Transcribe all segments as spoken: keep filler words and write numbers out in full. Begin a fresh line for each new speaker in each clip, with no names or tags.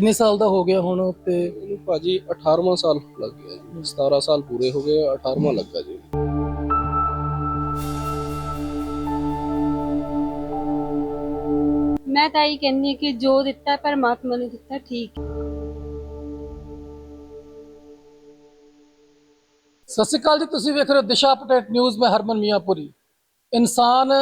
ਕਿੰਨੇ ਸਾਲ ਦਾ ਹੋ ਗਿਆ ਹੁਣ ਤੇ?
ਇਹਨੂੰ ਭਾਜੀ ਅਠਾਰਵਾਂ ਸਾਲ ਲੱਗ ਗਿਆ ਜੀ। ਸਤਾਰਾਂ ਸਾਲ ਪੂਰੇ ਹੋ ਗਏ, ਅਠਾਰਵਾਂ ਲੱਗਾ ਜੀ।
ਮੈਂ ਤਾਂ ਇਹ ਕਹਿੰਦੀ ਹਾਂ ਕਿ ਜੋ ਦਿੱਤਾ ਪਰਮਾਤਮਾ ਨੇ ਦਿੱਤਾ ਠੀਕ ਹੈ।
ਸਤਿ ਸ਼੍ਰੀ ਅਕਾਲ ਜੀ, ਤੁਸੀਂ ਵੇਖ ਰਹੇ ਹੋ ਦਿਸ਼ਾ ਅਪਡੇਟ ਨਿਊਜ਼। ਮੈਂ ਹਰਮਨ ਮੀਆਂਪੁਰੀ। ਇਨਸਾਨ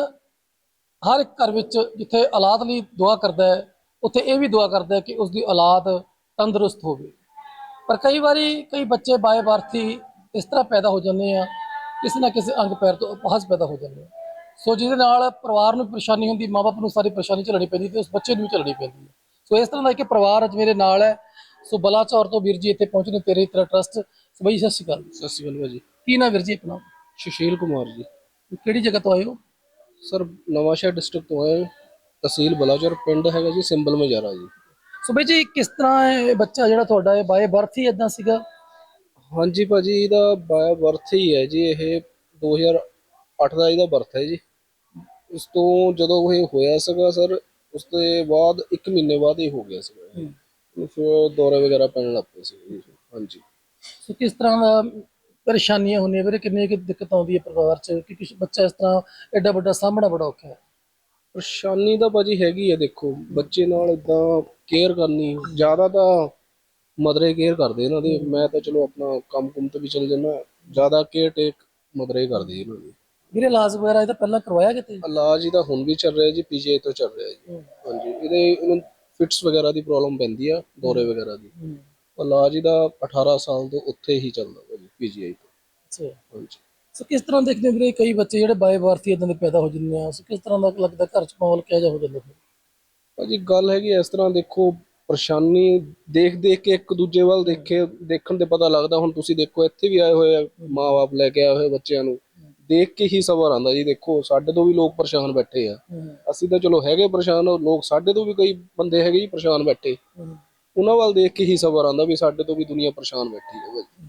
ਹਰ ਇੱਕ ਘਰ ਵਿੱਚ ਜਿੱਥੇ ਔਲਾਦ ਲਈ ਦੁਆ ਕਰਦਾ ਹੈ, ਉੱਥੇ ਇਹ ਵੀ ਦੁਆ ਕਰਦਾ ਹੈ ਕਿ ਉਸਦੀ ਔਲਾਦ ਤੰਦਰੁਸਤ ਹੋਵੇ। ਪਰ ਕਈ ਵਾਰੀ ਕਈ ਬੱਚੇ ਬਾਏ ਬਰਥ ਹੀ ਇਸ ਤਰ੍ਹਾਂ ਪੈਦਾ ਹੋ ਜਾਂਦੇ ਆ, ਕਿਸੇ ਨਾ ਕਿਸੇ ਅੰਗ ਪੈਰ ਤੋਂ ਅਪਾਹਜ ਪੈਦਾ ਹੋ ਜਾਂਦੇ ਆ। ਸੋ ਜਿਹਦੇ ਨਾਲ ਪਰਿਵਾਰ ਨੂੰ ਪਰੇਸ਼ਾਨੀ ਹੁੰਦੀ, ਮਾਂ ਬਾਪ ਨੂੰ ਸਾਰੀ ਪਰੇਸ਼ਾਨੀ ਝੱਲਣੀ ਪੈਂਦੀ ਤੇ ਉਸ ਬੱਚੇ ਨੂੰ ਵੀ ਝੱਲਣੀ ਪੈਂਦੀ ਹੈ। ਸੋ ਇਸ ਤਰ੍ਹਾਂ ਦਾ ਇੱਕ ਪਰਿਵਾਰ ਅੱਜ ਮੇਰੇ ਨਾਲ ਹੈ। ਸੋ ਬਲਾਚੌਰ ਤੋਂ ਵੀਰ ਜੀ ਇੱਥੇ ਪਹੁੰਚੇ ਨੇ, ਤੇਰੇ ਤੇਰਾ ਟਰਸਟ। ਸੋ ਬਾਈ ਸਤਿ ਸ਼੍ਰੀ ਅਕਾਲ।
ਸਤਿ ਸ਼੍ਰੀ ਅਕਾਲ ਭਾਜੀ।
ਕੀ ਨਾਮ ਵੀਰ ਜੀ ਆਪਣਾ?
ਸੁਸ਼ੀਲ ਕੁਮਾਰ ਜੀ।
ਕਿਹੜੀ ਜਗ੍ਹਾ ਤੋਂ ਆਏ ਹੋ?
ਸਰ ਨਵਾਂਸ਼ਹਿਰ ਡਿਸਟ੍ਰਿਕਟ ਤੋਂ ਆਏ, ਤਹਿਸੀਲ ਬਲਾਚੌਰ, ਪਿੰਡ ਹੈਗਾ ਜੀ ਸਿੰਬਲ ਮਜਾਰਾ ਜੀ।
ਸੋ ਬਾਈ ਜੀ, ਕਿਸ ਤਰ੍ਹਾਂ ਇਹ ਬੱਚਾ ਜਿਹੜਾ ਤੁਹਾਡਾ ਹੈ ਬਾਏ ਬਰਥ ਹੀ ਇਦਾਂ ਸੀਗਾ?
ਹਾਂਜੀ ਭਾਜੀ, ਇਹਦਾ ਬਾਇਆ ਬਰਥ ਹੀ ਹੈ ਜੀ। ਇਹ ਦੋ ਹਜ਼ਾਰ ਅੱਠ ਦਾ ਇਹਦਾ ਬਰਥ ਹੈ ਜੀ। ਉਸ ਤੋਂ ਜਦੋਂ ਇਹ ਹੋਇਆ ਸੀਗਾ ਸਰ, ਉਸ ਤੋਂ ਬਾਅਦ ਇੱਕ ਮਹੀਨੇ ਬਾਅਦ ਇਹ ਹੋ ਗਿਆ ਸੀਗਾ। ਫਿਰ ਦੌਰੇ ਵਗੈਰਾ ਪੈਣ ਲੱਗ ਪਏ ਸੀ ਜੀ। ਹਾਂਜੀ।
ਸੋ ਕਿਸ ਤਰ੍ਹਾਂ ਦਾ ਪਰੇਸ਼ਾਨੀਆਂ ਹੁੰਦੀਆਂ ਵੀਰੇ? ਕਿੰਨੀ ਕੁ ਦਿੱਕਤ ਆਉਂਦੀ ਹੈ ਪਰਿਵਾਰ 'ਚ ਕਿ ਕੁਛ ਬੱਚਾ ਇਸ ਤਰ੍ਹਾਂ ਐਡਾ ਵੱਡਾ ਸਾਹਮਣਾ ਬੜਾ ਔਖਾ ਹੈ?
ਪਰੇਸ਼ਾਨੀ ਤਾਂ ਭਾਜੀ ਹੈਗੀ ਹੈ। ਦੇਖੋ, ਬੱਚੇ ਨਾਲ ਇਦਾਂ ਕੇਅਰ ਕਰਨੀ, ਜ਼ਿਆਦਾ ਤਾਂ ਮਦਰੇ ਕੇਅਰ ਕਰਦੇ ਇਹਨਾਂ ਦੀ। ਮੈਂ ਤਾਂ ਚਲੋ ਆਪਣਾ ਕੰਮ ਕੁੰਮ ਤੇ ਵੀ ਚਲ ਜਾਂਦਾ, ਜ਼ਿਆਦਾ ਕੇਅਰ ਟੇਕ ਮਦਰੇ ਕਰਦੇ ਇਹਨਾਂ ਦੀ।
ਵੀਰੇ ਇਲਾਜ ਵਗੈਰਾ ਇਹਦਾ ਪਹਿਲਾਂ ਕਰਵਾਇਆ ਕਿਤੇ?
ਇਲਾਜ ਇਹਦਾ ਹੁਣ ਵੀ ਚੱਲ ਰਿਹਾ ਜੀ, ਪੀਜੀਆਈ ਤੋਂ ਚੱਲ ਰਿਹਾ ਜੀ। ਹਾਂਜੀ, ਇਹਦੇ ਇਹਨੂੰ ਫਿਟਸ ਵਗੈਰਾ ਦੀ ਪ੍ਰੋਬਲਮ ਪੈਂਦੀ ਆ, ਦੌਰੇ ਵਗੈਰਾ ਦੀ। ਇਲਾਜ ਇਹਦਾ ਅਠਾਰਾਂ ਸਾਲ ਤੋਂ ਉੱਥੇ ਹੀ ਚੱਲਦਾ ਭਾਜੀ, ਪੀਜੀਆਈ ਤੋਂ।
ਅੱਛਾ।
ਹਾਂਜੀ।
ਸੋ ਕਿਸ ਤਰ੍ਹਾਂ ਦੇਖਦੇ ਹੋ ਵੀਰੇ, ਕਈ ਬੱਚੇ ਜਿਹੜੇ ਬਾਏ ਬਰਥ ਹੀ ਇਦਾਂ ਦੇ ਪੈਦਾ ਹੋ ਜਾਂਦੇ ਆ, ਸੋ ਕਿਸ ਤਰ੍ਹਾਂ ਦਾ ਲੱਗਦਾ ਘਰ 'ਚ ਮਾਹੌਲ ਕਿਹੋ ਜਿਹਾ ਹੋ ਜਾਂਦਾ ਫਿਰ?
ਭਾਜੀ ਗੱਲ ਹੈਗੀ ਇਸ ਤਰ੍ਹਾਂ, ਦੇਖੋ ਪਰੇਸ਼ਾਨੀ ਦੇਖ ਦੇਖ ਕੇ ਇੱਕ ਦੂਜੇ ਵੱਲ ਦੇਖੇ ਦੇਖਣ ਤੇ ਪਤਾ ਲੱਗਦਾ। ਹੁਣ ਤੁਸੀਂ ਦੇਖੋ, ਇੱਥੇ ਵੀ ਆਏ ਹੋਏ ਆ ਮਾਂ ਬਾਪ ਲੈ ਕੇ ਆਏ ਹੋਏ ਬੱਚਿਆਂ ਨੂੰ, ਦੇਖ ਕੇ ਹੀ ਸਬਰ ਆਉਂਦਾ ਜੀ। ਦੇਖੋ ਸਾਡੇ ਤੋਂ ਵੀ ਲੋਕ ਪਰੇਸ਼ਾਨ ਬੈਠੇ ਆ। ਅਸੀਂ ਤਾਂ ਚਲੋ ਹੈਗੇ ਪਰੇਸ਼ਾਨ, ਲੋਕ ਸਾਡੇ ਤੋਂ ਵੀ ਕਈ ਬੰਦੇ ਹੈਗੇ ਜੀ ਪਰੇਸ਼ਾਨ ਬੈਠੇ। ਉਹਨਾਂ ਵੱਲ ਦੇਖ ਕੇ ਹੀ ਸਬਰ ਆਉਂਦਾ ਵੀ ਸਾਡੇ ਤੋਂ ਵੀ ਦੁਨੀਆ ਪਰੇਸ਼ਾਨ ਬੈਠੀ ਹੈ ਭਾਜੀ।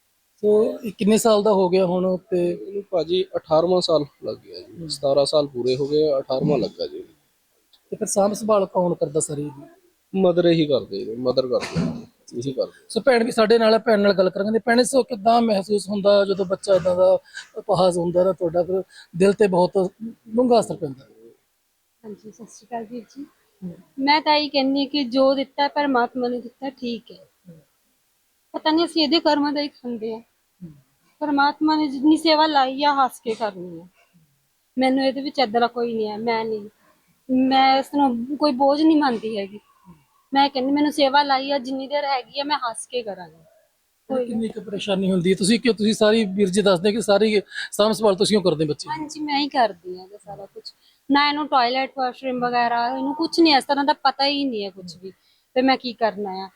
ਸੋ ਇਹ ਕਿੰਨੇ ਸਾਲ ਦਾ ਹੋ ਗਿਆ ਹੁਣ ਤੇ?
ਇਹਨੂੰ ਭਾਜੀ ਅਠਾਰਵਾਂ ਸਾਲ ਲੱਗ ਗਿਆ ਜੀ। ਸਤਾਰਾਂ ਸਾਲ ਪੂਰੇ ਹੋ ਗਏ, ਅਠਾਰਵਾਂ ਲੱਗਾ ਜੀ।
ਤੇ ਫਿਰ ਸਾਂਭ ਸੰਭਾਲ ਕੌਣ ਕਰਦਾ ਸਾਰੀ ਇਹਦੀ?
ਮਦਰ ਹੀ ਕਰਦੇ ਜੀ, ਮਦਰ ਕਰਦੇ ਇਹੀ ਕਰਦੇ।
ਸੋ ਭੈਣ ਵੀ ਸਾਡੇ ਨਾਲ ਹੈ, ਭੈਣ ਨਾਲ ਗੱਲ ਕਰਾਂਗੇ। ਭੈਣੇ, ਸੋ ਕਿੱਦਾਂ ਮਹਿਸੂਸ ਹੁੰਦਾ ਜਦੋਂ ਬੱਚਾ ਇਦਾਂ ਦਾ ਅਪਾਹਜ ਹੁੰਦਾ ਤਾਂ ਤੁਹਾਡਾ ਫਿਰ ਦਿਲ ਤੇ ਬਹੁਤ ਡੂੰਘਾ ਅਸਰ ਪੈਂਦਾ?
ਹਾਂਜੀ, ਸਤਿ ਸ਼੍ਰੀ ਅਕਾਲ ਵੀਰ ਜੀ। ਮੈਂ ਤਾਂ ਇਹ ਕਹਿੰਦੀ ਹਾਂ ਕਿ ਜੋ ਦਿੱਤਾ ਪਰਮਾਤਮਾ ਨੇ ਦਿੱਤਾ ਠੀਕ ਹੈ। ਪਤਾ ਨਹੀਂ ਅਸੀਂ ਇਹਦੇ ਕਰਮਾਂ ਦਾ ਹੀ ਖਾਂਦੇ ਆ। ਪਰਮਾਤਮਾ ਨੇ ਜਿੰਨੀ ਸੇਵਾ ਲਾਈ ਆ, ਹੱਸ ਕੇ ਕਰਨੀ ਆ। ਮੈਨੂੰ ਇਹਦੇ ਵਿੱਚ ਏਦਾਂ ਦਾ ਕੋਈ ਨਹੀਂ ਹੈ। ਮੈਂ ਨਹੀਂ ਮੈਂ ਇਸ ਨੂੰ ਕੋਈ ਬੋਝ ਨਹੀਂ ਮੰਨਦੀ ਹੈਗੀ। ਮੈਂ ਕਹਿੰਦੀ ਮੈਨੂੰ ਸੇਵਾ ਲਾਈ ਆ, ਜਿੰਨੀ ਦੇਰ ਹੈਗੀ ਆ ਮੈਂ ਹੱਸ ਕੇ ਕਰਾਂਗੀ।
ਕਿੰਨੀ ਕੁ ਪਰੇਸ਼ਾਨੀ ਹੁੰਦੀ ਹੈ? ਤੁਸੀਂ ਕਿਉਂ ਤੁਸੀਂ ਸਾਰੀ ਵੀਰ ਜੀ ਦੱਸਦੇ ਕਿ ਸਾਰੀ ਸਾਂਭ ਸੰਭਾਲ ਤੁਸੀਂ ਕਰਦੇ ਬੱਚੇ?
ਹਾਂਜੀ, ਮੈਂ ਹੀ ਕਰਦੀ ਹਾਂ ਸਾਰਾ ਕੁਝ। ਨਾ ਇਹਨੂੰ ਟਾਇਲਟ ਵਾਸ਼ਰੂਮ ਵਗੈਰਾ ਇਹਨੂੰ ਕੁਝ ਨਹੀਂ ਇਸ ਤਰ੍ਹਾਂ ਦਾ ਪਤਾ ਹੀ ਨਹੀਂ ਹੈ ਕੁਝ ਵੀ ਤੇ ਮੈਂ ਕੀ ਕਰਨਾ ਆ।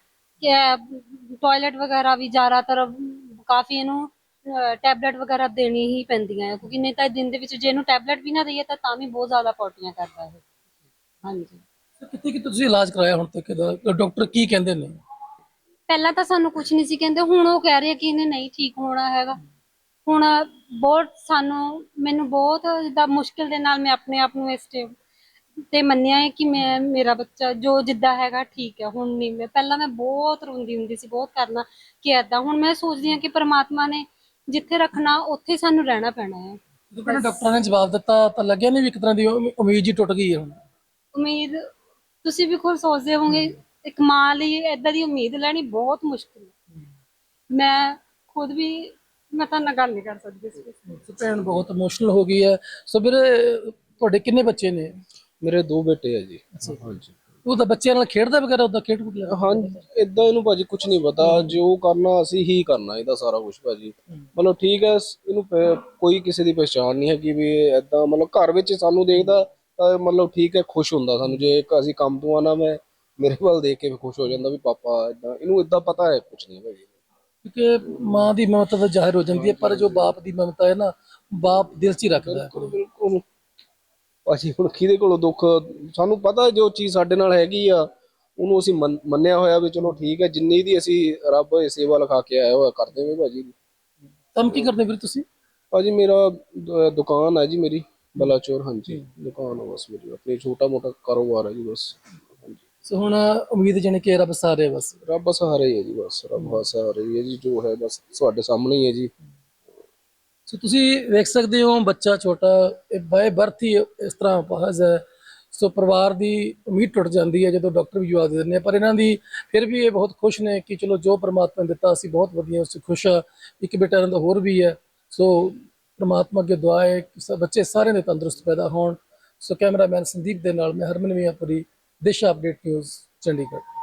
ਕਿ ਟਾਇਲਟ ਵਗੈਰਾ ਵੀ ਜ਼ਿਆਦਾਤਰ ਕਾਫੀ ਇਹਨੂੰ ਟੈਬਲੇਟ ਵਗੈਰਾ ਦੇਣੀ ਹੀ ਪੈਂਦੀਆਂ ਹੈ, ਕਿਉਂਕਿ ਨਹੀਂ ਤਾਂ ਦਿਨ ਦੇ ਵਿੱਚ ਜੇ ਇਹਨੂੰ ਟੈਬਲੇਟ ਵੀ ਨਾ ਦਈਏ ਤਾਂ ਤਾਂ ਵੀ ਬਹੁਤ ਜ਼ਿਆਦਾ ਪੋਟੀਆਂ ਕਰਦਾ ਹੈ। ਹਾਂਜੀ।
ਕਿਤੇ ਕਿ ਤੁਸੀਂ ਇਲਾਜ ਕਰਾਇਆ ਹੁਣ ਤੱਕ ਇਹਦਾ? ਡਾਕਟਰ ਕੀ ਕਹਿੰਦੇ ਨੇ?
ਪਹਿਲਾਂ ਤਾਂ ਸਾਨੂੰ ਕੁਝ ਨਹੀਂ ਸੀ ਕਹਿੰਦੇ, ਹੁਣ ਉਹ ਕਹਿ ਰਹੇ ਕਿ ਇਹਨੇ ਨਹੀਂ ਠੀਕ ਹੋਣਾ ਹੈਗਾ। ਹੁਣ ਬਹੁਤ ਸਾਨੂੰ ਮੈਨੂੰ ਬਹੁਤ ਜਿੱਦਾਂ ਮੁਸ਼ਕਿਲ ਦੇ ਨਾਲ ਮੈਂ ਆਪਣੇ ਆਪ ਨੂੰ ਇਸ ਸਟੇਜ ਤੇ ਮੰਨਿਆ ਹੈ ਕਿ ਮੈਂ ਮੇਰਾ ਬੱਚਾ ਜੋ ਜਿੱਦਾਂ ਹੈਗਾ ਠੀਕ ਹੈ। ਹੁਣ ਨਹੀਂ, ਮੈਂ ਪਹਿਲਾਂ ਮੈਂ ਬਹੁਤ ਰੋਂਦੀ ਹੁੰਦੀ ਸੀ, ਬਹੁਤ ਕਰਨਾ ਕਿ ਏਦਾਂ। ਹੁਣ ਮੈਂ ਸੋਚਦੀ ਹਾਂ ਕਿ ਪਰਮਾਤਮਾ ਨੇ ਜਿੱਥੇ ਰੱਖਣਾ ਉੱਥੇ ਸਾਨੂੰ ਰਹਿਣਾ ਪੈਣਾ ਹੈ।
ਜਦੋਂ ਡਾਕਟਰਾਂ ਨੇ ਜਵਾਬ ਦਿੱਤਾ ਤਾਂ ਲੱਗਿਆ ਨਹੀਂ ਵੀ ਇੱਕ ਤਰ੍ਹਾਂ ਦੀ ਉਮੀਦ ਜੀ ਟੁੱਟ ਗਈ ਹੈ ਹੁਣ?
ਉਮੀਦ ਤੁਸੀਂ ਵੀ ਖੁਦ ਸੋਚਦੇ ਹੋਵੋਗੇ, ਇੱਕ ਮਾਂ ਲਈ ਏਦਾਂ ਦੀ ਉਮੀਦ ਲੈਣੀ ਬਹੁਤ ਮੁਸ਼ਕਿਲ ਹੈ। ਮੈਂ ਖੁਦ ਵੀ ਮੈਂ ਤਾਂ ਨਾਲ ਗੱਲ ਨਹੀਂ ਕਰ ਸਕਦੀ ਇਸ ਵਿੱਚ।
ਭੈਣ ਬਹੁਤ ਇਮੋਸ਼ਨਲ ਹੋ ਗਈ ਹੈ। ਸੋ ਵੀਰੇ, ਤੁਹਾਡੇ ਕਿੰਨੇ ਬੱਚੇ ਨੇ?
ਮੇਰੇ ਦੋ ਬੇਟੇ ਆ ਜੀ। ਹਾਂਜੀ।
ਉਹ ਤਾਂ ਬੱਚਿਆਂ ਨਾਲ ਖੇਡਦਾ ਵਗੈਰਾ ਉਦਾਂ ਖੇਡ ਖੁਦ ਲੈਂਦਾ?
ਹਾਂ, ਇਦਾਂ ਇਹਨੂੰ ਭਾਜੀ ਕੁਝ ਨਹੀਂ ਪਤਾ। ਜੋ ਕਰਨਾ ਅਸੀਂ ਹੀ ਕਰਨਾ, ਇਹਦਾ ਸਾਰਾ ਕੁਝ ਭਾਜੀ। ਮਤਲਬ ਠੀਕ ਹੈ, ਇਹਨੂੰ ਕੋਈ ਕਿਸੇ ਦੀ ਪਛਾਣ ਨਹੀਂ ਹੈਗੀ ਵੀ ਏਦਾਂ। ਮਤਲਬ ਘਰ ਵਿੱਚ ਸਾਨੂੰ ਦੇਖਦਾ ਤਾਂ ਮਤਲਬ ਠੀਕ ਹੈ, ਖੁਸ਼ ਹੁੰਦਾ ਸਾਨੂੰ। ਜੇ ਅਸੀਂ ਕੰਮ ਤੋਂ ਆਣਾ, ਮੈਂ ਮੇਰੇ ਵੱਲ ਦੇਖ ਕੇ ਖੁਸ਼ ਹੋ ਜਾਂਦਾ ਵੀ ਪਾਪਾ ਏਦਾਂ। ਇਹਨੂੰ ਏਦਾਂ ਪਤਾ ਹੈ ਕੁਝ ਨਹੀਂ ਭਾਜੀ।
ਕਿਉਂਕਿ ਮਾਂ ਦੀ ਮਮਤਾ ਤਾਂ ਜ਼ਾਹਿਰ ਹੋ ਜਾਂਦੀ ਹੈ, ਪਰ ਜੋ ਬਾਪ ਦੀ ਮਮਤਾ ਹੈ ਨਾ, ਬਾਪ ਦਿਲ 'ਚ ਹੀ ਰੱਖਦਾ ਹੈ।
ਬਿਲਕੁਲ ਭਾਜੀ, ਹੁਣ ਕਿਹਦੇ ਕੋਲੋਂ ਦੁੱਖ? ਸਾਨੂੰ ਪਤਾ ਜੋ ਚੀਜ਼ ਸਾਡੇ ਨਾਲ ਹੈਗੀ ਆ, ਉਹਨੂੰ ਅਸੀਂ ਮੰਨਿਆ ਹੋਇਆ ਵੀ ਚਲੋ ਠੀਕ ਹੈ। ਜਿੰਨੀ ਦੀ ਅਸੀਂ ਰੱਬ ਸੇਵਾ ਲਿਖਾ ਕੇ ਆਇਆ ਹੋਇਆ ਕਰਦੇ ਹੋਏ ਭਾਜੀ।
ਕੰਮ ਕੀ ਕਰਦੇ ਵੀਰ ਤੁਸੀਂ?
ਭਾਜੀ ਮੇਰਾ ਦੁਕਾਨ ਹੈ ਜੀ, ਮੇਰੀ ਬਲਾਚੌਰ। ਹਾਂਜੀ, ਦੁਕਾਨ ਹੈ ਬਸ ਮੇਰੀ, ਆਪਣੀ ਛੋਟਾ ਮੋਟਾ ਕਾਰੋਬਾਰ ਹੈ ਜੀ ਬਸ। ਹਾਂਜੀ।
ਸੋ ਹੁਣ ਉਮੀਦ ਜਾਣੀ ਕਿ ਰੱਬ ਸਾਰੇ ਬਸ।
ਰੱਬ ਸਹਾਰਾ ਹੀ ਹੈ ਜੀ, ਬਸ ਰੱਬ ਸਹਾਰਾ ਹੀ ਹੈ ਜੀ, ਜੋ ਹੈ ਬਸ ਤੁਹਾਡੇ ਸਾਹਮਣੇ ਹੀ ਹੈ ਜੀ।
ਸੋ ਤੁਸੀਂ ਵੇਖ ਸਕਦੇ ਹੋ ਬੱਚਾ ਛੋਟਾ, ਇਹ ਬਾਏ ਬਰਥ ਹੀ ਇਸ ਤਰ੍ਹਾਂ ਅਪਾਹਜ ਹੈ। ਸੋ ਪਰਿਵਾਰ ਦੀ ਉਮੀਦ ਟੁੱਟ ਜਾਂਦੀ ਹੈ ਜਦੋਂ ਡਾਕਟਰ ਵੀ ਜਵਾਬ ਦੇ ਦਿੰਦੇ ਆ, ਪਰ ਇਹਨਾਂ ਦੀ ਫਿਰ ਵੀ ਇਹ ਬਹੁਤ ਖੁਸ਼ ਨੇ ਕਿ ਚਲੋ ਜੋ ਪ੍ਰਮਾਤਮਾ ਨੇ ਦਿੱਤਾ ਅਸੀਂ ਬਹੁਤ ਵਧੀਆ, ਉਸ 'ਚ ਖੁਸ਼ ਆ। ਇੱਕ ਬੇਟਾ ਇਹਨਾਂ ਦਾ ਹੋਰ ਵੀ ਹੈ। ਸੋ ਪ੍ਰਮਾਤਮਾ ਅੱਗੇ ਦੁਆ ਹੈ ਕਿ ਸ- ਬੱਚੇ ਸਾਰਿਆਂ ਦੇ ਤੰਦਰੁਸਤ ਪੈਦਾ ਹੋਣ। ਸੋ ਕੈਮਰਾਮੈਨ ਸੰਦੀਪ ਦੇ ਨਾਲ ਮੈਂ ਹਰਮਨ ਮੀਆਂਪੁਰੀ, ਦਿਸ਼ਾ ਅਪਡੇਟ ਨਿਊਜ਼, ਚੰਡੀਗੜ੍ਹ।